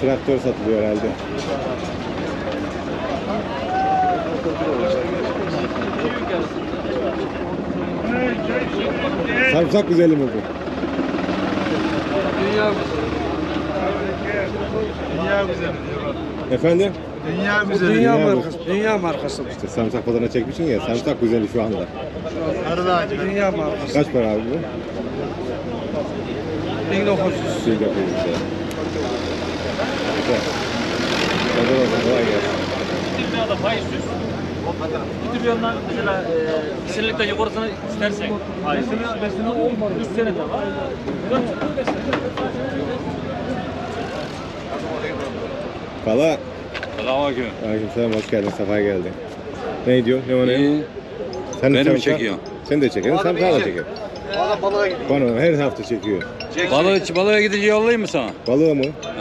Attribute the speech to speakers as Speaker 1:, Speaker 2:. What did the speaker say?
Speaker 1: traktör satılıyor herhalde. Sarımsak güzeli mi bu?
Speaker 2: Dünya güzeli. Dünya güzeli.
Speaker 1: Efendim?
Speaker 2: Dünya güzeli.
Speaker 1: Dünya
Speaker 2: markası. Dünya markası.
Speaker 1: İşte sarımsak pazarına çekmişsin ya, sarımsak güzeli şu anda.
Speaker 2: Dünya markası.
Speaker 1: Kaç para abi bu?
Speaker 2: 1900.
Speaker 1: Güzel. Hadi bakalım, kolay gelsin.
Speaker 3: Dünyada faiz yüz. Bir trilyondan mesela kişilikten yukarısını istersek faizini 3 senede var. 4 sene.
Speaker 1: Kala.
Speaker 4: Selamünaleyküm.
Speaker 1: Aleykümselam, hoş geldin, sefa geldin. Ne diyor? Ne o ne?
Speaker 4: İyi.
Speaker 1: Sen de
Speaker 4: Beni mi
Speaker 1: sarımsak-
Speaker 4: çekiyorsun?
Speaker 1: Sen de çekiyorsun, sarımsağı da çekiyor.
Speaker 2: Balığa gidiyor.
Speaker 1: Bana her hafta çekiyor.
Speaker 4: Balığa gidince yollayayım mı sana?
Speaker 1: Balığı mı?